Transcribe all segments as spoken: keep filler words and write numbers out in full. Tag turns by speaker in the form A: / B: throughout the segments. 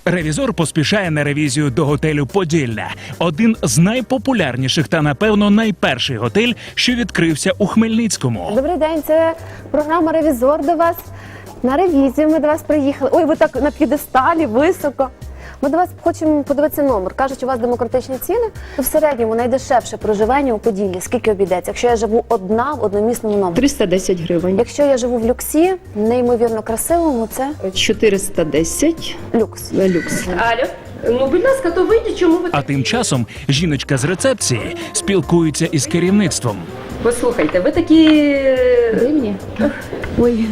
A: Ревізор поспішає на ревізію до готелю «Поділля». Один з найпопулярніших та, напевно, найперший готель, що відкрився у Хмельницькому.
B: Добрий день, це програма «Ревізор» до вас. На ревізію ми до вас приїхали. Ой, ви так на п'єдесталі, високо. Ми до вас хочемо подивитися номер. Кажуть, у вас демократичні ціни. В середньому найдешевше проживання у Поділлі. Скільки обійдеться? Якщо я живу одна в одномісному номері.
C: триста десять гривень.
B: Якщо я живу в люксі, неймовірно красивому, це
C: чотириста десять.
B: люкс.
C: Люкс. Алло. Ну, будь ласка, то вийдіть, чому ви...
A: А тим часом жіночка з рецепції спілкується із керівництвом.
C: Послухайте, ви такі...
B: Дивні.
C: Ой.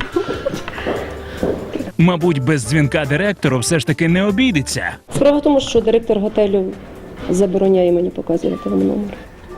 A: Мабуть, без дзвінка директору все ж таки не обійдеться.
C: Справа в тому, що директор готелю забороняє мені показувати вам номер.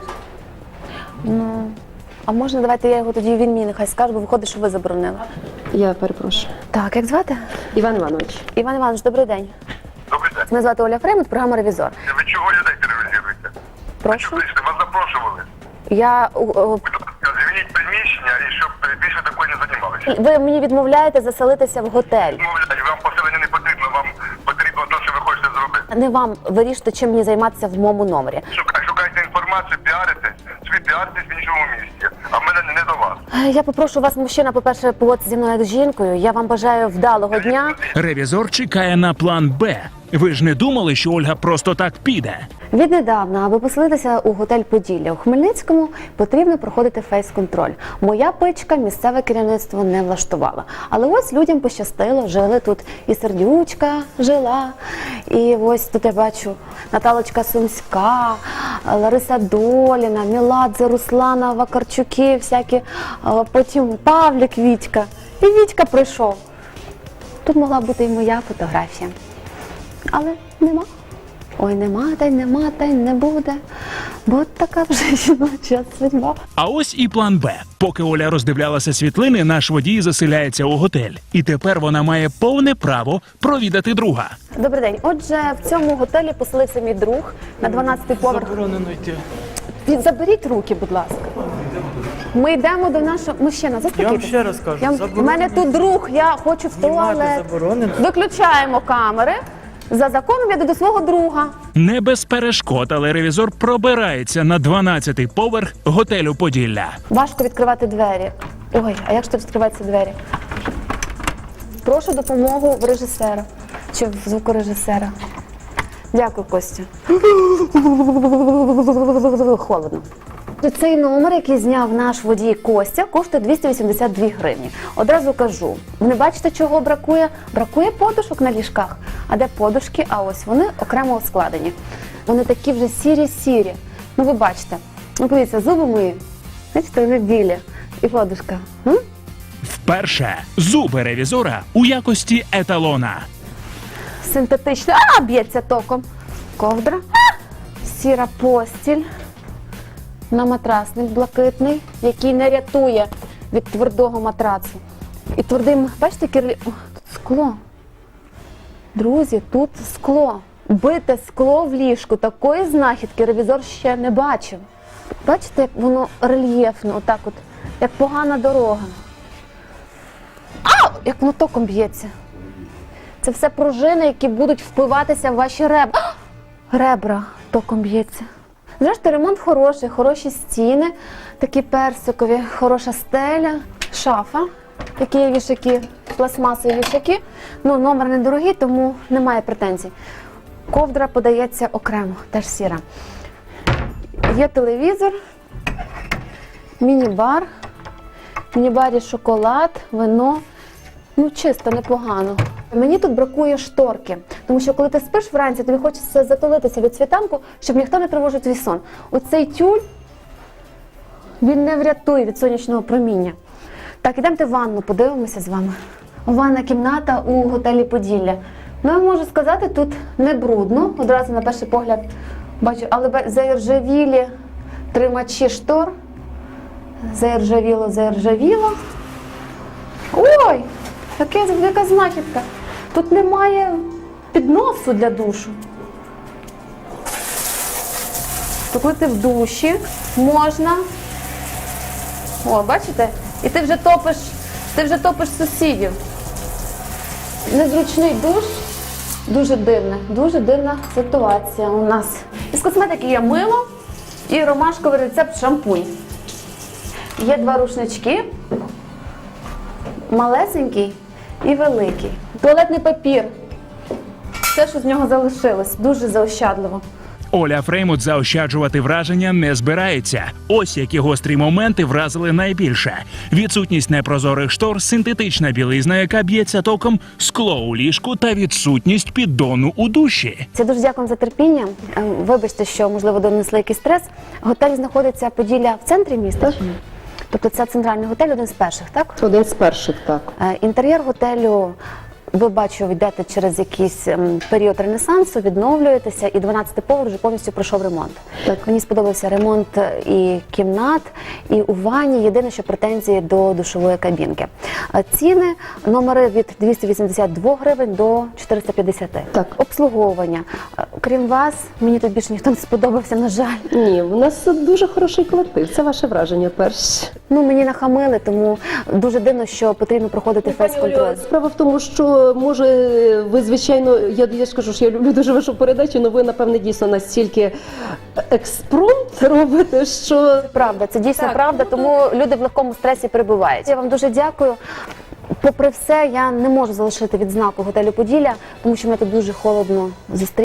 B: Ну, а можна, давайте я його тоді, він мені нехай скаже, бо виходить, що ви заборонили.
C: Я перепрошую.
B: Так, як звати?
C: Іван Іванович.
B: Іван Іванович, добрий день.
D: Добрий день.
B: Мене звати Оля Фреймут, програма «Ревізор».
D: Ви чого людей тероризуєте?
B: Прошу.
D: Що прийшли? Вас запрошували.
B: Я... о, о,
D: Будь ласка, звільніть приміщення і щоб більше такою не займалися.
B: Ви мені відмовляєте заселитися в готель.
D: Мовляють, вам поселення не потрібно, вам потрібно те, що ви хочете зробити.
B: Не вам вирішити, чим мені займатися в моєму номері.
D: Шукай, шукайте інформацію, піаритесь, собі піаритесь в іншому місці, а в мене не до вас.
B: Я попрошу вас, мужчина, по-перше, поводитися зі мною як з жінкою. Я вам бажаю вдалого дня.
A: Ревізор чекає на план «Б». Ви ж не думали, що Ольга просто так піде?
B: Віднедавна, аби поселитися у готель «Поділля» у Хмельницькому, потрібно проходити фейс-контроль. Моя пичка місцеве керівництво не влаштувала. Але ось людям пощастило, жили тут і Сердючка жила, і ось тут я бачу Наталочка Сумська, Лариса Доліна, Міладзе, Руслана Вакарчуки, всякі, потім Павлік Вітька. І Вітька прийшов. Тут могла бути і моя фотографія. Але нема. Ой, нема, та й нема, та й не буде. Бо така вже жіноча судьба.
A: А ось і план «Б». Поки Оля роздивлялася світлини, наш водій заселяється у готель. І тепер вона має повне право провідати друга.
B: Добрий день. Отже, в цьому готелі поселився мій друг на дванадцятий поверх.
E: Заборонено йти.
B: Від- Заберіть руки, будь ласка. Ми йдемо до нашого... Мужчина, заспокійтесь.
E: Я вам ще раз кажу,
B: Я... У
E: заборонено.
B: мене тут друг, я хочу в
E: Знімати
B: туалет.
E: заборонено.
B: Виключаємо камери. За законом я йду до свого друга.
A: Не без перешкод, але ревізор пробирається на дванадцятий поверх готелю «Поділля».
B: Важко відкривати двері. Ой, а як ж тут відкриваються двері? Прошу допомогу в режисера чи в звукорежисера. Дякую, Костя. Холодно. Цей номер, який зняв наш водій Костя, коштує двісті вісімдесят дві гривні. Одразу кажу, ви не бачите, чого бракує? Бракує подушок на ліжках. А де подушки? А ось вони окремо складені. Вони такі вже сірі-сірі. Ну ви бачите. Ну подивіться, зуби мої. Бачите, вони білі. І подушка. М?
A: Вперше зуби ревізора у якості еталона.
B: Синтетична. А, б'ється током. Ковдра. Сіра постіль. На матрасник блакитний, який не рятує від твердого матрацу. І твердим, бачите, кирлі... О, тут скло. Друзі, тут скло. Бите скло в ліжку. Такої знахідки ревізор ще не бачив. Бачите, як воно рельєфно, отак от, як погана дорога. Ау! Як воно током б'ється. Це все пружини, які будуть впиватися в ваші ребра. Ребра током б'ється. Зрештою, ремонт хороший, хороші стіни, такі персикові, хороша стеля, шафа, такі є вішаки, пластмасові вішаки. Ну, номер недорогий, тому немає претензій. Ковдра подається окремо, теж сіра. Є телевізор, міні-бар, в міні-барі шоколад, вино. Ну, чисто, непогано. Мені тут бракує шторки, тому що коли ти спиш вранці, тобі хочеться затулитися від світанку, щоб ніхто не тривожив твій сон. Оцей тюль, він не врятує від сонячного проміння. Так, ідемте в ванну, подивимося з вами. Ванна кімната у готелі «Поділля». Ну, я можу сказати, тут не брудно, одразу на перший погляд бачу, але заіржавілі тримачі штор. Заіржавіло, заіржавіло. Ой! Яке, яка знахідка. Тут немає підносу для душу. То коли ти в душі, можна. О, бачите? І ти вже топиш, ти вже топиш сусідів. Незручний душ. Дуже дивне, дуже дивна ситуація у нас. Із косметики є мило і ромашковий рецепт шампунь. Є два рушнички, малесенький і великий. Туалетний папір. Все, що з нього залишилось, дуже заощадливо.
A: Оля Фреймут заощаджувати враження не збирається. Ось які гострі моменти вразили найбільше: відсутність непрозорих штор, синтетична білизна, яка б'ється током, скло у ліжку та відсутність піддону у душі.
B: Я дуже дякую за терпіння. Е, Вибачте, що, можливо, донесли якийсь стрес. Готель знаходиться Поділля в центрі міста. Тобто це центральний готель, один з перших, так?
C: Один з перших, так.
B: Е, Інтер'єр готелю, ви, бачу, йдете через якийсь ем, період ренесансу, відновлюєтеся, і дванадцятий поверх вже повністю пройшов ремонт.
C: Так.
B: Мені сподобався ремонт і кімнат, і у ванні. Єдине, що претензії до душової кабінки. Е, Ціни, номери від двісті вісімдесят два гривень до чотириста п'ятдесят.
C: Так.
B: Обслуговування. Е, Крім вас, мені тут більше ніхто не сподобався, на жаль.
C: Ні, у нас дуже хороший колектив. Це ваше враження перше.
B: Ну, мені нахамили, тому дуже дивно, що потрібно проходити фейс-контроль.
C: Справа в тому, що може ви, звичайно, я, я ж кажу, що я люблю дуже вашу передачу, але ви, напевне, дійсно настільки експромт робите, що
B: Правда, це дійсно
C: Так,
B: правда, тому люди в легкому стресі перебувають. Я вам дуже дякую. Попри все, я не можу залишити відзнаку готелю Поділля, тому що мене тут дуже холодно зустріли.